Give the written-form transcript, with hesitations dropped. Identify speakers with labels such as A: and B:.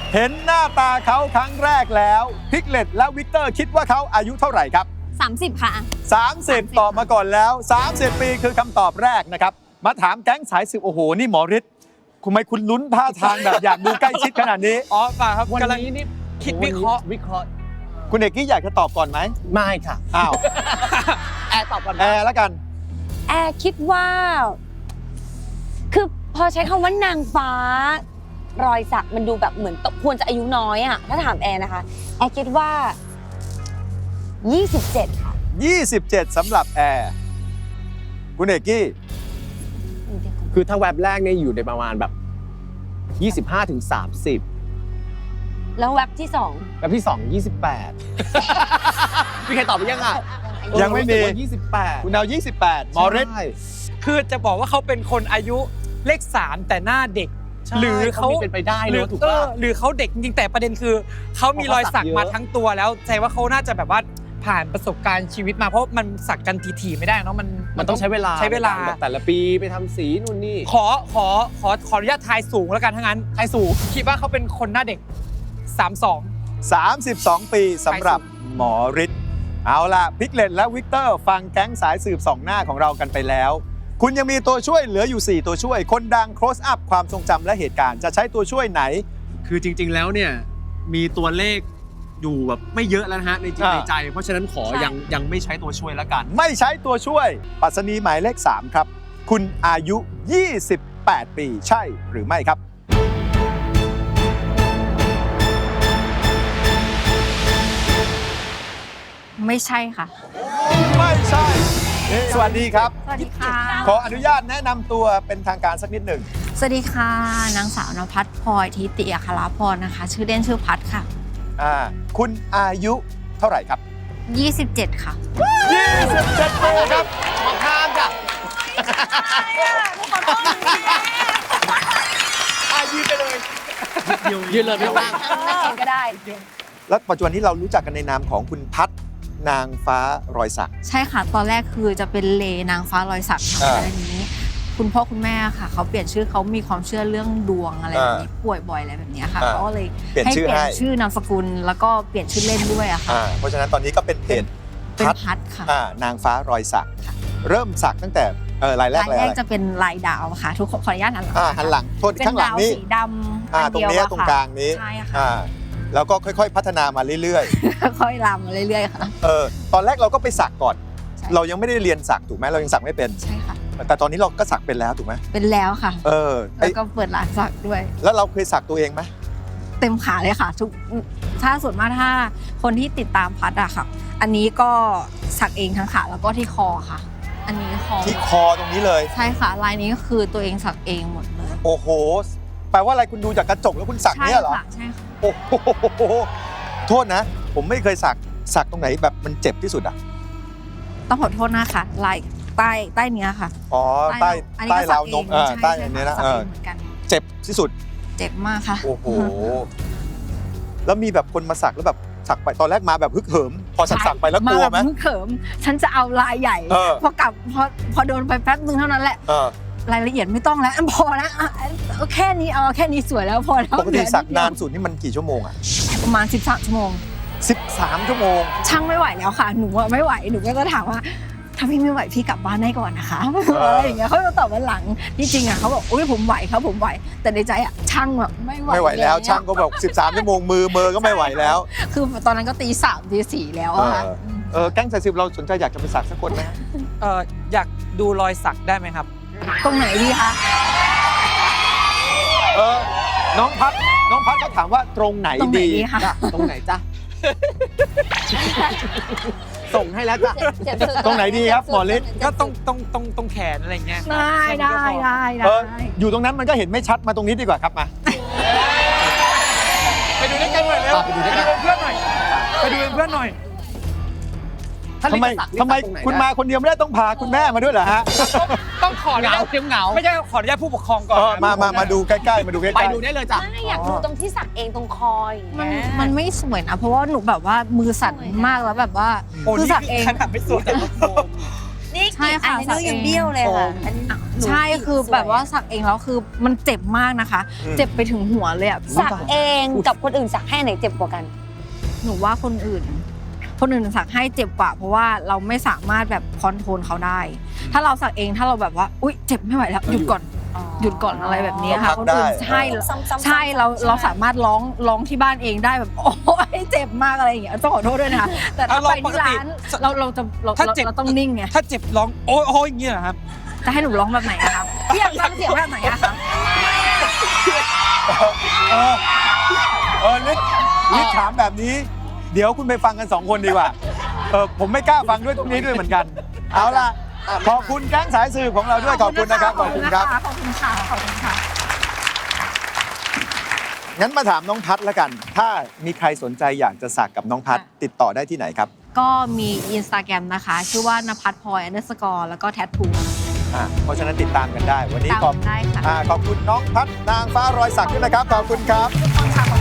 A: เห็นหน้าตาเขาครั้งแรกแล้วพิกเลตและวิกเตอร์คิดว่าเขาอายุเท่าไหร่ครับ
B: 30 ค่ะ
A: 30 ตอบมาก่อนแล้ว 30 ปีคือคำตอบแรกนะครับมาถามแก๊งสายสืบโอ้โหนี่หมอฤทธิ์ทำไมคุณลุ้นท่าทางแบบอยากดูใกล้ชิดขนาดนี้
C: อ๋อเปล่าครับ
D: วัน
C: กำลัง
D: นี้นี่
C: คิดวิเคราะห์
A: คุณเอกกี้อยากจะตอบก่อนไหม
D: ไม่ค่ะ
A: อ้าว
D: แอร์ตอบก่อน
A: แอร์แล้วกัน
B: แอร์คิดว่า คือพอใช้คำว่านางฟ้ารอยสักมันดูแบบเหมือนควรจะอายุน้อยอะถ้าถามแอร์นะคะ แอร์คิดว่า 27 ค่ะ
A: 27สำหรับแอร์คุณเอกกี้
D: คือถ้าแว็บแรกเนี่ยอยู่ในประมาณแบบ 25 ถึง 30
B: แล้วแว็บที่
D: แว็บที่ 2 28 มีใครตอบไปยังอ่ะ
A: ยังไม่มี
D: 28
A: คุณเอา28หมอฤทธิ์
D: ใช่
C: คือจะบอกว่าเขาเป็นคนอายุเลข 3 แต่หน้าเด็ก
D: ใช่
C: หรือเขา
D: มีเป็นไปได้เนอะถูกป่ะ
C: หรือเขาเด็กจริงๆแต่ประเด็นคือเขามีรอยสักมาทั้งตัวแล้วใจว่าเขาน่าจะแบบว่าผ่านประสบการณ์ชีวิตมาเพราะมันสักกันทีๆไม่ได้เนาะ
D: มันต้องใช้เวลา
C: ใช้เวลา
D: แบบแต่ละปีไปทำสีนู่นนี่
C: ขออนุญาตทายสูงแล้วกันทั้งนั้น
D: ใครสูง
C: คิดว่าเขาเป็นคนหน้าเด็ก 32
A: 32 ปีสำหรับหมอฤทธิ์เอาล่ะพิกเลตและวิกเตอร์ฟังแก๊งสายสืบสองหน้าของเรากันไปแล้ว คุณยังมีตัวช่วยเหลืออยู่ 4 ตัวช่วย คนดัง close up ความทรงจำและเหตุการณ์จะใช้ตัวช่วยไหน
E: คือจริงๆ แล้วเนี่ยมีตัวเลขอยู่แบบไม่เยอะแล้วนะฮะในจิต
A: อ่า
E: ในใจ เพราะฉะนั้นขอ
B: ใช่
E: ยังไม่ใช้ตัวช่วยแล้วกัน
A: ไม่ใช้ตัวช่วยปรัชนีหมายเลข 3 ครับ คุณอายุ 28 ปีใช่หรือไม่ครับ
F: ไม่ใช่ค่ะ
A: ไม่ใช่ สวัสดีครับ
F: สวัสดีค่ะ
A: ขออนุญาตแนะนำตัวเป็นทางการสักนิดหนึ่ง
F: สวัสดีค่ะ นางสาวนภัทรพลอยทิติอัครพรนะคะ ชื่อเล่นชื่อพัทค่ะ
A: คุณอายุเท่าไหร่ครับ
F: 27 ค่ะ
A: 27 ปีครับ
D: มาข้ามจ้ะยืนไปเลยยืนเลยไม่ว่าง
B: นั่งเองก็ได้
A: แล้วปัจจุบันนี้เรารู้จักกันในนามของคุณพัฒนางฟ้ารอยสัก
F: ใช่ค่ะ ตอนแรกคือจะเป็นเลนางฟ้ารอยสักค่ะ
A: อ่า
F: แต่ทีนี้ คุณพ่อคุณแม่ค่ะ เขาเปลี่ยนชื่อเขามีความเชื่อเรื่องดวงอะไรแบบนี้ป่วยบ่อยอะไรแบบนี้ค่ะ
A: อ่า
F: เขาก็เลย
A: เปลี่ยน
F: ให้
A: ชื่อ
F: เปลี่ยน
A: ให้
F: ชื่อนามสกุลแล้วก็เปลี่ยนชื่อเล่นด้วยอะค่ะ
A: เพราะฉะนั้นตอนนี้ก็เป็นเพจ
F: เป็น
A: พัฒ
F: พัทค่ะ
A: นางฟ้ารอยสัก เริ่มสักตั้งแต่รายแรก
F: ลาย
A: เลย
F: แร
A: อะ
F: ก
A: ไร
F: จะเป็นลายดาวค่ะ ทุกคนขออนุญาตหันหลัง
A: หันหลังโทษ
F: เป็น
A: ข้างหลั
F: ดาง ว
A: นี้
F: สีดำอัน
A: ตรง
F: เดียว
A: นี้
F: อะ
A: ตรง
F: ค่ะ
A: กลางนี้
F: ใช่ค่ะ
A: แล้วก็ค่อยๆ พัฒนามาเรื่อย
F: ค่อยๆลามมาเรื่อยๆค่ะ
A: ๆตอนแรกเราก็ไปสักก่อน
F: ใช่
A: เรายังไม่ได้เรียนสักถูกไหมเรายังสักไม่เป็น
F: ใช่ค่ะ
A: แต่ตอนนี้เราก็สักเป็นแล้วถูกไหม
F: เป็นแล้วค่ะ
A: ไอ้
F: แล้วก็เปิดร้านสักด้วย
A: แล้วเราเคยสักตัวเองไหม
F: เต็มขาเลยค่ะทุกถ้าส่วนมากถ้าคนที่ติดตามพัดอะค่ะ อันนี้ก็สักเองทั้งขาแล้วก็ที่คอค่ะ อันนี้คอ
A: ที่คอตรงนี้เลย
F: ใช่ค่ะลายนี้ก็คือตัวเองสักเองหมดเลย
A: โอ้โห แปลว่าอะไรคุณดูจากกระจกแล้วคุณสัก
F: ใช่
A: เนี่ยเหรอ
F: ค่ะใช่ค่ะ
A: โอ้โห โทษนะ ผมไม่เคยสักตรงไหนแบบมันเจ็บที่สุดอ่ะ
F: ต้องขอโทษนะคะลายใต้เนี้ยค่ะ
A: อ๋อ ใต้
F: อันนี้
A: ใต้
F: ก็สั
A: ราวนม
F: เอง
A: ใต้
F: ช่
A: อันนี้นะ
F: สักเองเหมือนกัน
A: เจ็บที่สุด
F: เจ็บมากค่ะ
A: โอ้โห แล้วมีแบบคนมาสักแล้วแบบสักไปตอนแรกมาแบบฮึกเหิม พอสักไปแล้วกลัวไหม
F: าแบบเขิมฉันจะเอาลายใหญ่ พอกลับพอโดนไปแป๊บนึงเท่านั้นแหละ รายละเอียดไม่ต้องแล้วพอแล้วแค่นี้เอาแค่นี้สวยแล้วพอแล้ว
A: ปกติสักนานสุดนี่มันกี่ชั่วโมงอ่ะ
F: ประมาณ13 ชั่วโมง
A: 13 ชั่วโมง
F: ช่างไม่ไหวแล้วค่ะ หนูอะไม่ไหว หนูก็จะถามว่าถ้าพี่ไม่ไหวพี่กลับบ้านได้ก่อนนะคะอะไรอย่างเงี้ยเขาจะตอบวันหลังที่จริงอ่ะเขาบอกอุ้ยผมไหวครับผมไหว แต่ในใจอ่ะช่างแบบไม่ไหว
A: ไม่ไหวแล้วช่างก็บอก13 ชั่วโมงมือก็ไม่ไหวแล้ว
F: คือตอนนั้นก็ตี 3 ตี 4แล้วอะค่ะ
A: แก๊งสายสืบเราสนใจอยากจะไปสักสักคนไหม
C: อยากดูรอยสักได้ไหมครับ
F: ตรงไหนดีคะ
A: น้องพัดเขาถามว่าตรงไหน
F: ตรงไหน
A: ดี
F: ดีคะ
D: ตรงไหนจ๊ะ ส่งให้แล้วจ้ะ
A: ตรงไหนดีครับหมอฤทธิ์
C: ก็ตรงแขนอะไรเงี้ย
F: ได้
A: อยู่ตรงนั้นมันก็เห็นไม่ชัดมาตรงนี้ดีกว่าครับมา
C: ไปดูด้วยกันหน่อยเร็ว
D: ไปดูด้วยกัน
C: เป็นเพื่อนหน่อยไปดูเป็นเพื่อนหน่อย
A: ทำไมคุณมาคนเดียวไม่ได้ต้องพาคุณแม่มาด้วยเหรอฮะ
C: ต้องขออนุ
D: เหงา
C: ญาต
D: เทียมเหงา
C: ไม่ใช่ขออนุญาตผู้ปกครองก่อน
A: มาดูใกล้ๆมาดูใกล้ๆ
D: ไปดูได้เลยจ้ะ
B: ไม่อยากดูตรงที่สักเองตรงคออย่าง
F: มัน
B: เงี้ย
F: มันไม่สวยนะ เพราะว่าหนูแบบว่ามือสั่นมากแล้วแบบว่า
C: โอ้
F: คือ
C: นี่
F: สักเอง
C: ขนาดไม่สวยแต่ว่าโฟม
B: นี่
F: ใช่
B: กี่
F: ค่ะ
B: อันนี้
F: สักเอง
B: ยังเบี้ยวเลยค่ะอันนี้
F: นใช่คือแบบว่าสักเองแล้วคือมันเจ็บมากนะคะ เจ็บไปถึงหัวเลยอ่ะ
B: สักเองกับคนอื่นสักให้ไหนเจ็บกว่ากัน
F: หนูว่าคนอื่นสักให้เจ็บกว่าเพราะว่าเราไม่สามารถแบบคอนโทรลเขาได้ ถ้าเราสักเองถ้าเราแบบว่าอุ๊ยเจ็บไม่ไหวแล้วหยุดก่อนอะไรแบบนี้ค่ะคนอื่นใช่เราสามารถร้องที่บ้านเองได้แบบโอ้ยเจ็บมากอะไรอย่างเงี้ยต้องขอโทษด้วยนะคะแต่ถ้าไปที่ร้านเราต้องนิ่งไง
C: ถ้าเจ็บร้องโอ้ยอย่างเงี้ยเหรอครับ
F: จะให้หนูร้องแบบไหนอะคะพี่อยากฟังเสียงแบบไหนอะคะ
A: ลิศถามแบบนี้ เดี๋ยวคุณไปฟังกัน 2 คนดีกว่า ผมไม่กล้าฟังด้วยตรงนี้ด้วยเหมือนกัน เอาล่ะ ขอบคุณแก๊งสายสืบของเราด้วย ขอบคุณนะครับ ขอบคุณครับ
F: ขอบคุณค่ะ
A: งั้นมาถามน้องพัดแล้วกัน ถ้ามีใครสนใจอยากจะสักกับน้องพัดติดต่อได้ที่ไหนครับ
F: ก็มี Instagram นะคะ ชื่อว่านภัทรพลอย_แล้วก็แทททู
A: เพราะฉะนั้นติดตามกันได้ วันนี้
F: ตามได้ค่ะ
A: ขอบคุณน้องพัดนางฟ้ารอยสักด้วยนะครับ ขอบคุณครับ
F: ทุกคนค่ะ